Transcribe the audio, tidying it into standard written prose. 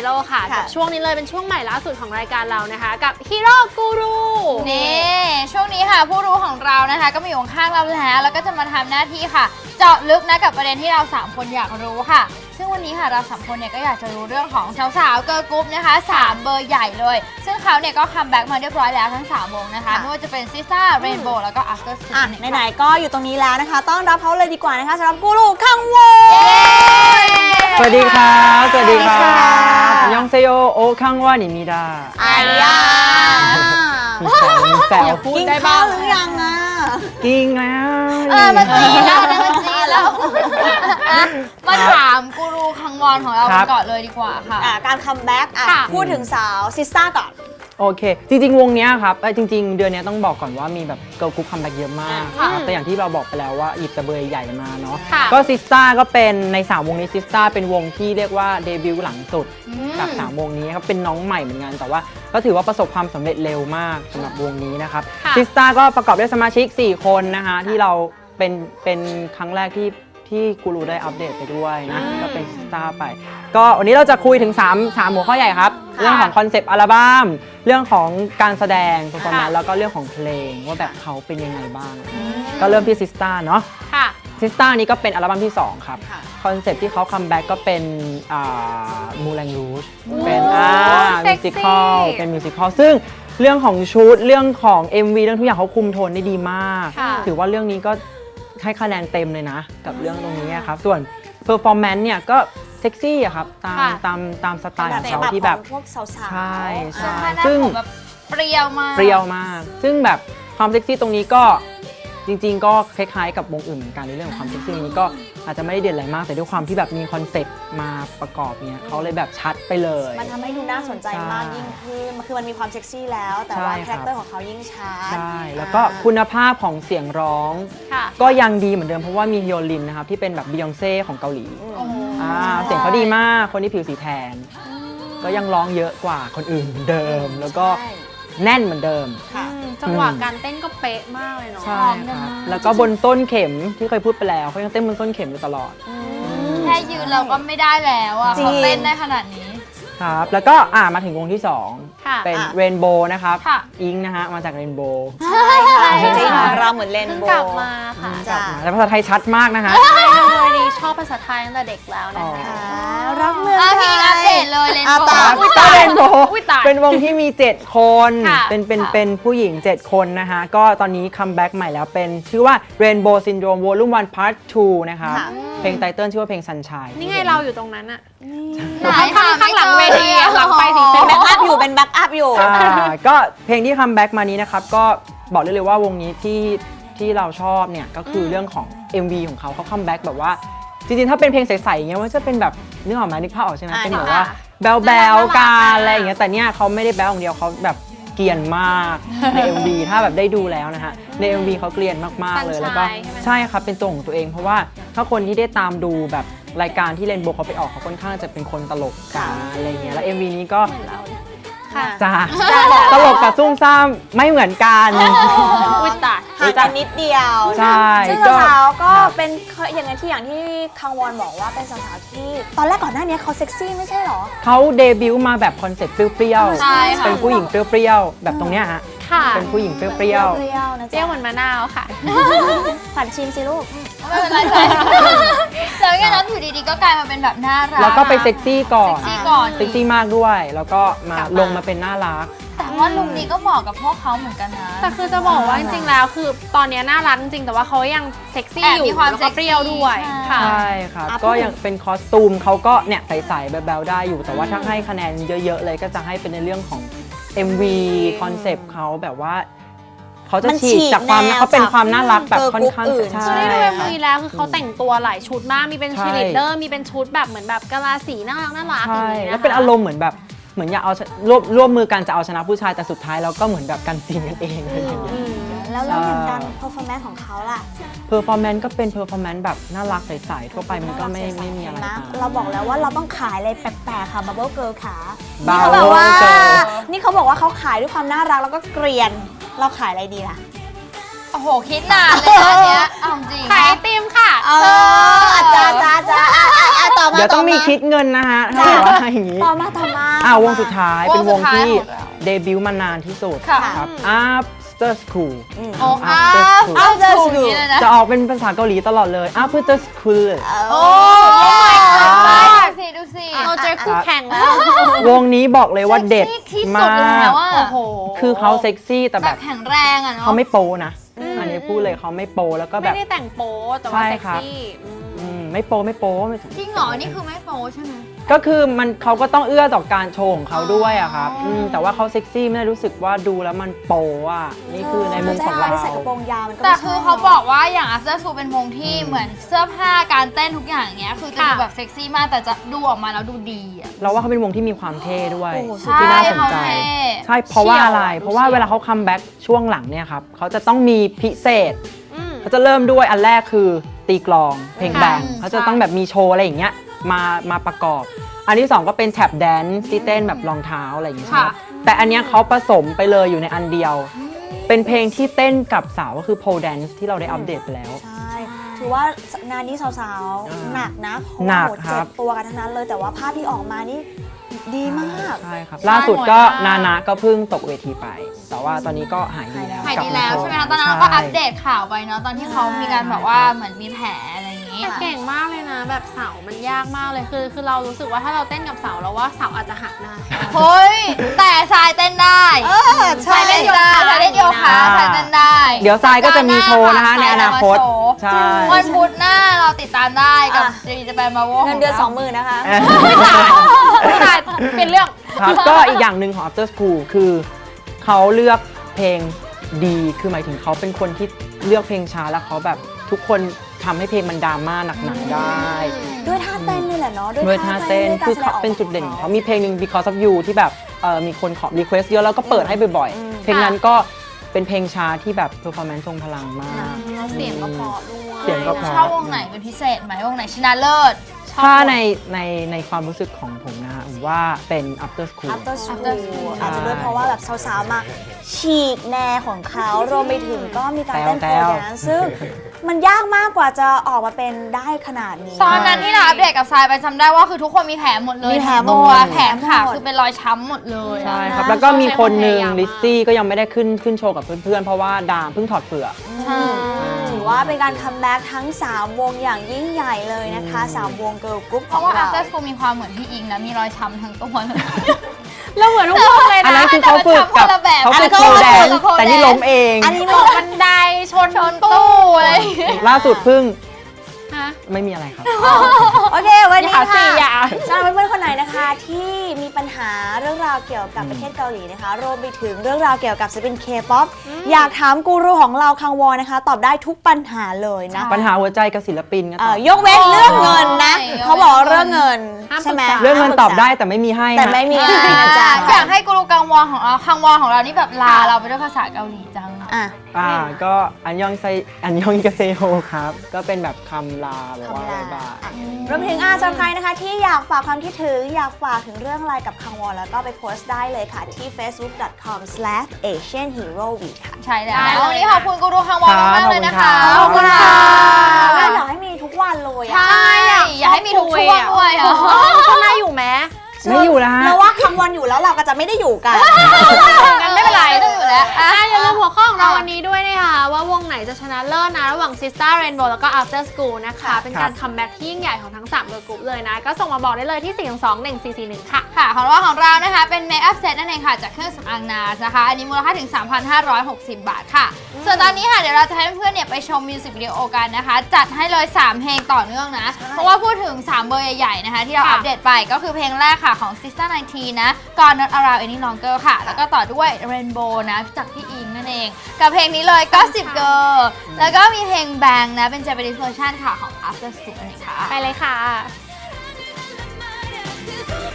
โร่ค่ะกับช่วงนี้เลยเป็นช่วงใหม่ล่าสุดของรายการเรานะคะกับฮีโร่กูรูนี่ช่วงนี้ค่ะผู้รู้ของเรานะคะก็มาอยู่ข้างเราแล้วก็จะมาทำหน้าที่ค่ะเจาะลึกนะกับประเด็นที่เรา3คนอยากรู้ค่ะซึ่งวันนี้ค่ะเรา3คนเนี่ยก็อยากจะรู้เรื่องของสาวๆเกิร์ลกรุ๊ปนะคะ3เบอร์ใหญ่เลยซึ่งเขาเนี่ยก็คัมแบ็กมาเรียบร้อยแล้วทั้ง3วงนะคะไม่ว่าจะเป็นซิสต้าเรนโบว์แล้วก็ After School ไหนๆก็อยู่ตรงนี้แล้วนะคะต้อนรับเขาเลยดีกว่านะคะสำหรับกูรูคังวงสวัสดีครับสวัสดีครับยองเซโยโอคังวานิมิดาอายามีแซวพูดได้บ้างหรือยังอ่ะกินแล้วมันจีแล้วนะมันจีแล้วมาถามกูรูคังวอนของเราก่อนเลยดีกว่าค่ะการคัมแบ็กพูดถึงสาวซิสต้าก่อนโอเคจริงๆวงนี้ครับจริงๆเดือนนี้ต้องบอกก่อนว่ามีแบบเกิร์ลกรุ๊ปคัมแบ็กเยอะมากครับแต่อย่างที่เราบอกไปแล้วว่าหยิบตะเบยใหญ่มาเนาะก็ซิสต้าก็เป็นใน3วงนี้ซิสต้าเป็นวงที่เรียกว่าเดบิวต์หลังสุดจาก3วงนี้ครับเป็นน้องใหม่เหมือนกันแต่ว่าก็ถือว่าประสบความสำเร็จเร็วมากสำหรับวงนี้นะครับซิสต้าก็ประกอบด้วยสมาชิก4คนนะคะที่เราเป็นครั้งแรกที่กูรูได้อัปเดตไปด้วยนะก็เป็นซิสต้าไปก็วันนี้เราจะคุยถึง3หัวข้อใหญ่ครับเรื่องของคอนเซปต์อัลบั้มเรื่องของการแสดงเปอร์ฟอร์แมนซ์แล้วก็เรื่องของเพลงว่าแบบเขาเป็นยังไงบ้างก็เริ่มที่ซิสต้าเนาะซิสต้านี้ก็เป็นอัลบั้มที่2ครับคอนเซปต์ที่เขาคัมแบ็กก็เป็นมูแลงรูชเป็นมิวสิคอลเป็นมิวสิคอลซึ่งเรื่องของชุดเรื่องของ MV เรื่องทุกอย่างเขาคุมโทนได้ดีมากถือว่าเรื่องนี้ก็ให้คะแนนเต็มเลยนะกับเรื่องตรงนี้ครับส่วนเพอร์ฟอร์แมนซ์เนี่ยก็เซ็กซี่อะครับตามสไตล์ของเขาที่แบบพวกสาวๆใช่ซึ่งแบบเปรี้ยวมากซึ่งแบบความเซ็กซี่ตรงนี้ก็จริงๆก็คล้ายๆกับวงอื่นเหมือนกันในเรื่องของความเซ็กซี่นี้ก็อาจจะไม่ได้เด่นอะไรมากแต่ด้วยความที่แบบมีคอนเซ็ปต์มาประกอบเนี่ยเขาเลยแบบชัดไปเลยมันทำให้ดูน่าสนใจมากยิ่งขึ้นคือมันมีความเซ็กซี่แล้วแต่ว่าคาแรคเตอร์ของเขายิ่งชัดใช่แล้วก็คุณภาพของเสียงร้องก็ยังดีเหมือนเดิมเพราะว่ามีฮิโอลินนะครับที่เป็นแบบบียองเซ่ของเกาหลีเสียงเขาดีมากคนที่ผิวสีแทนก็ยังร้องเยอะกว่าคนอื่นเหมือนเดิมแล้วก็แน่นเหมือนเดิมจังหวะการเต้นก็เป๊ะมากเลยเนาะใช่ครับแล้วก็บนต้นเข็มที่เคยพูดไปแล้วเขายังเต้นบนต้นเข็มอยู่ตลอดแค่ยืนเราก็ไม่ได้แล้วอ่ะเขาเต้นได้ขนาดนี้ครับแล้วก็มาถึงวงที่2เป็นเรนโบว์นะครับอิงนะฮะมาจากเรนโบว์ใช่ค่ะจริงๆเราเหมือนเรนโบว์กลับมาค่ะแต่ภาษาไทยชัดมากนะฮะดีชอบภาษาไทยตั้งแต่เด็กแล้วนะคะรักเมืองไทยอัปเดตเลยเรนโบว์เรนโบว์เป็นวงที่มี7คนเป็นผู้หญิง7คนนะคะก็ตอนนี้คัมแบ็กใหม่แล้วเป็นชื่อว่า Rainbow Syndrome Volume 1 Part 2นะคะเพลงไตเติ้ลชื่อว่าเพลง Sunshine นี่ไงเราอยู่ตรงนั้นอะข้างหลังเวทีหลังไฟสีเป็นแบ็กอัพอยู่ก็เพลงที่คัมแบ็กมานี้นะครับก็บอกได้เลยว่าวงนี้ที่เราชอบเนี่ยก็คือเรื่องของ MV ของเขาคัมแบ็กแบบว่าจริงๆถ้าเป็นเพลงใสๆอย่างเงี้ยว่าจะเป็นแบบนึกออกไหมนึกภาพออกใช่ไหมเป็นแบบว่าแบลกันอะไรอย่างเงี้ยแต่เนี่ยเขาไม่ได้แบลอย่างเดียวเขาแบบเกรียนมากใน MV ถ้าแบบได้ดูแล้วนะฮะใน MV เขาเกรียนมากๆเลยแล้วก็ใช่ครับเป็นตัวของตัวเองเพราะว่าถ้าคนที่ได้ตามดูแบบรายการที่เรนโบว์เขาไปออกเขาค่อนข้างจะเป็นคนตลกกันอะไรเงี้ยแล้ว MV นี้ก็จ้าตลกกับซุ่มซ่ามไม่เหมือนกันอุ้ยตายห่างกันนิดเดียวใช่ซึ่งสาวๆก็เป็นอย่างที่คังวอนบอกว่าเป็นสาวๆที่ตอนแรกก่อนหน้านี้เขาเซ็กซี่ไม่ใช่หรอเขาเดบิวต์มาแบบคอนเซ็ปต์เปรี้ยวๆเป็นผู้หญิงเปรี้ยวๆแบบตรงเนี้ยฮะเป็นผู้หญิงเปรี้ยวๆนะเจ้าเหมือนมะนาวค่ะฝันชิมสิลูกไม่เป็นไรแล้วงั้นน้องอยู่ดีๆก็กลายมาเป็นแบบน่ารักแล้วก็ไปเซ็กซี่ก่อนเซ็กซี่มากด้วยแล้วก็มาลงมาเป็นน่ารักแต่ว่าลุคนี้ก็เหมาะกับพวกเขาเหมือนกันนะแต่คือจะบอกว่าจริงๆแล้วคือตอนนี้น่ารักจริงแต่ว่าเขายังเซ็กซี่อยู่มีความเปรี้ยวด้วยใช่ครับก็ยังเป็นคอสตูมเขาก็เนี่ยใสๆแบลๆได้อยู่แต่ว่าถ้าให้คะแนนเยอะๆเลยก็จะให้เป็นในเรื่องของ MV คอนเซปต์เขาแบบว่าเขาจะฉีกจากความเขาเป็นความน่ารักแบบค่อนข้างใช่ด้วยมือแล้วคือเขาแต่งตัวหลายชุดมากมีเป็นชีลิเดอร์มีเป็นชุดแบบเหมือนแบบกะลาสีน่ารักใช่แล้วเป็นอารมณ์เหมือนแบบเหมือนอยากเอาร่วมมือกันจะเอาชนะผู้ชายแต่สุดท้ายเราก็เหมือนแบบกันซีนกันเองอะไรอย่างเงี้ยแล้วอย่างการเพอร์ฟอร์แมนซ์ของเขาล่ะเพอร์ฟอร์แมนซ์ก็เป็นเพอร์ฟอร์แมนซ์แบบน่ารักใสๆทั่วไปมันก็ไม่มีอะไรเราบอกแล้วว่าเราต้องขายอะไรแปลกๆค่ะบับเบิ้ลเกิร์ลขานี่เขาบอกว่าเขาขายด้วยความน่ารักแล้วก็เกรียนเราขายอะไรดีล่ะโอ้โหคิดนานเลยอันเนี้ยเอาจริงขายไอติมค่ะจ้าต่อมาเดี๋ยวต้องมีคิดเงินนะฮะถ้าว่าอย่างนี้ต่อมาวงสุดท้ายเป็นวงที่วงสุดท้ายของเราเดบิวต์มานานที่สุดค่ะครับ After School โอ้ After School เอาจะสูงนี้เลยนะจะออกเป็นภาษาเกาหลีตลอดเลย After School โอ้ my god ดูสิเราเจอคู่แข่งแล้ววงนี้บอกเลยว่าเด็ดซ็กซี่ที่มาสุดแล้วกอะโอ้โหคือเขาเซ็กซี่แต่แบแบบ บแข็งแรงอะเนาะเขาไม่โปนะ อันนี้พูดเลยเขาไม่โปแล้วก็แบไม่บได้แต่งโป๊แต่ว่าใช่เซ็กครับซี่อืมไม่โปไม่โปไม่จริงเหรอ นี่คือไม่โป๊ใช่ไหมก็คือมันเขาก็ต้องเอื้อต่อการโชว์ของเขาด้วยอะครับอ๋ออืแต่ว่าเขาเซ็กซี่ไม่ได้รู้สึกว่าดูแล้วมันโปอ่ะนี่คือในมุมของเราจะให้ใส่กระโปรงยาวมันก็แต่ไม่ใช่คือเขาบอกว่าอย่าง After School เป็นวงที่เหมือนเสื้อผ้าการเต้นทุกอย่างเงี้ยคือจะดูแบบเซ็กซี่มากแต่จะดูออกมาแล้วดูดีอะเราว่าเขาเป็นวงที่มีความเท่ด้วยโอ้โหสุดที่ยอน่าดสนใจเขาเท่ใช่เพราะว่าอะไรเชี่ยวเพราะว่าเวลาเขาคัมแบ็กช่วงหลังเนี่ยครับเขาจะต้องมีพิเศษอืมเขาจะเริ่มด้วยอันแรกคือตีกลองเพลงค่ะแบงเขาจะต้องแบบมีโชว์อะไรอย่างเงี้ยมาประกอบ อันที่สองก็เป็นแท็บแดนซ์ที่เต้นแบบรองเท้าอะไรอย่างเงี้ยครับแต่อันเนี้ยเขาผสมไปเลยอยู่ในอันเดียว เป็นเพลงที่เต้นกับสาวก็คือโพลแดนซ์ที่เราได้อัปเดตไปแล้วใช่ถือว่างานนี้สาวๆ หนักนะเพราะหนัว่าก โหครัเจ็บบตัวกันทั้งนั้นเลยแต่ว่าภาพที่ออกมานี่ดีมากใช่ครับล่าสุดก็นานะก็เพิ่งตกเวทีไป แต่ว่าตอนนี้ก็หายดีแล้วหายกลับดีมาแล้วโชใช่ไหมคะตอนนั้นเราก็ใช่อัปเดตข่าวไปเนาะตอนที่เขามีการแบบว่าเหมือนมีแผลอะไรอย่างงี้แต่เก่งมากเลยนะ แบบเสามันยากมากเลยคือเรารู้สึกว่าถ้าเราเต้นกับเสาเราว่าเสาอาจจะหักได้เฮ้ย แต่ทรายเต้นได้ใช่ทรายเล่นได้ทรายเล่นโยคะอ่าทรายเต้นได้เดี๋ยวทรายก็จะมีโชว์นะคะในอนาคต ใช่วันพุธหน้าเราติดตามได้กับอ่ะจีจะไปมาโวเงินเดือน 20,000นะคะไม่ตายเป็นเรื่องครับก็อีกอย่างหนึ่งของ After School คือเขาเลือกเพลงดีคือหมายถึงเขาเป็นคนที่เลือกเพลงช้าแล้วเขาแบบทุกคนทำให้เพลงมันดราม่าหนักๆได้ด้วยท่าเต้นนี่แหละเนาะด้วยท่าเต้นด้วยคือการแสดงเขาเป็นจุดเด่นขขออง งเขาเขามีเพลงหนึ่ง Because of You ที่แบบมีคนขอ request เยอะแล้วก็เปิดให้บ่อยอืมๆ เพลงนั้นก็เป็นเพลงช้าที่แบบ performance ทรงพลังมากเสียงก็เพราะด้วยเสียงก็เพราะชอบวงไหนเป็นพิเศษไหมวงไหนชนะเลิศถ้าในความรู้สึกของผมนะฮะผมว่าเป็น After School After After School School อาจจะด้วยเพราะว่าแบบสาวๆมาฉีกแนวของเขารวมไปถึงก็มีการเต้นโพลแดนซ์ซึ่งมันยากมากกว่าจะออกมาเป็นได้ขนาดนี้ตอนนั้นที่เราอัปเดตกับทรายไปจำได้ว่าคือทุกคนมีแผลหมดเลยมีแผลหมดตัวแขนขาหมดคือเป็นรอยช้ำหมดเลยใช่อะครับ แล้วก็มีคนหนึ่งใช้ความพยายามมากลิซซี่ก็ยังไม่ได้ขึ้นโชว์กับเพื่อนๆ เพราะว่าดามเพิ่งถอดเปลือกถือว่าเป็นการคัมแบ็กทั้ง 3 วงอย่างยิ่งใหญ่เลยนะคะ 3 วงเกิร์ลกรุ๊ปเพของราะว่าเรา After School มีความเหมือนพี่อิงนะมีรอยช้ำทั้งตัวเลยเราเหมือนทุกคนเลยอันนะนั้นคือเขาฝึกกับแต่มันทำคนละแบบเขาฝึกอันนั้นโพลแดนเขาฝึกแต่นี่ล้มเองอันนี้ตมันกบันไดชนชนตู้อะไรอย่างเงี้ยล่าสุดเพิ่งฮะไม่มีอะไรครับโอเค วันนี้อย่าค่ะสิอย่าสำหรับเพื่อนๆคนไหนนะคะที่มีปัญหาเรื่องราวเกี่ยวกับประเทศเกาหลีนะคะรวมไปถึงเรื่องราวเกี่ยวกับศิลปินเคป๊อปอยากถามกูรูของเราคังวอนนะคะ ตอบได้ทุกปัญหาเลยนะปัญหาหัวใจกับศิลปินก็ตอบยกเว้นเรื่องเงินนะโอ้ยเขาบอกเรื่องเงินห้ามใช่ไหมปรึกษาเรื่องเงินตอบได้แต่ไม่มีให้แต่ฮะไม่มีอยาจ้ากให้กูรูกังวอนของเราคังวอนของเรานี่แบบลาเราไปด้วยภาษาเกาหลีจังอ่ะก็อันยองกาเซโฮครับ ก็เป็นแบบคำลาแบบว่าคำลาบ๊ายบายรวมถึงสำหรับใครนะคะที่อยากฝากความคิดถึงอยากฝากถึงเรื่องอะไรกับคังวอนแล้วก็ไปโพสต์ได้เลยค่ะที่ facebook.com/asianheroweek ค่ะใช่แล้วได้เลยวันนี้ขอบคุณกูรูคังวอนมากๆเลยนะคะขอบคุณค่ะอยากให้มีทุกวันเลยใช่อะอยากให้มีทุกช่วงด้วยอ่ะช่วงหน้าอยู่ไหมไม่อยู่แล้วฮะเราว่าคังวอนอยู่แล้วเราก็จะไม่ได้อยู่กันงั้นไม่เป็นไรไม่ต้องอยู่แล้วอ่ะอย่าลืมหัวข้อของเราวันนี้ด้วยนะคะว่าวงไหนจะชนะเลิศนะระหว่าง Sister Rainbow แล้วก็ After School นะคะ เป็นการคัมแบ็กที่ยิ่งใหญ่ของทั้ง3เกิร์ลกรุ๊ปเลยนะ ก็ส่งมาบอกได้เลยที่ 4221441 ค่ะค่ะของเรานะคะเป็นเมคอัพเซตนั่นเองค่ะจากเครื่องสำอางนาสนะคะ อันนี้มูลค่าถึง 3,560 บาทค่ะ ส่วนตอนนี้ค่ะเดี๋ยวเราจะให้เพื่อนๆเนี่ยไปชมมิวสิกวิดีโอกันนะคะ จัดให้เลย 3 เพลงต่อเนื่องนะ เพราะว่าพูดถึง 3 เบอร์ใหญ่ๆนะคะ ที่เราค่ะอัปเดตไปก็คือเพลงแรกค่ะของ Sister 19 นะ God Not Around Any Longer ค่ะ แล้วก็ต่อด้วย Rainbow นะจากพี่อิงนั่นเอง กับเพลงนี้เลย Gossip Girl แล้วก็มีเพลง Bang นะเป็น Japanese version ค่ะของ After School นั่นเองค่ะไปเลยค่ะ 그거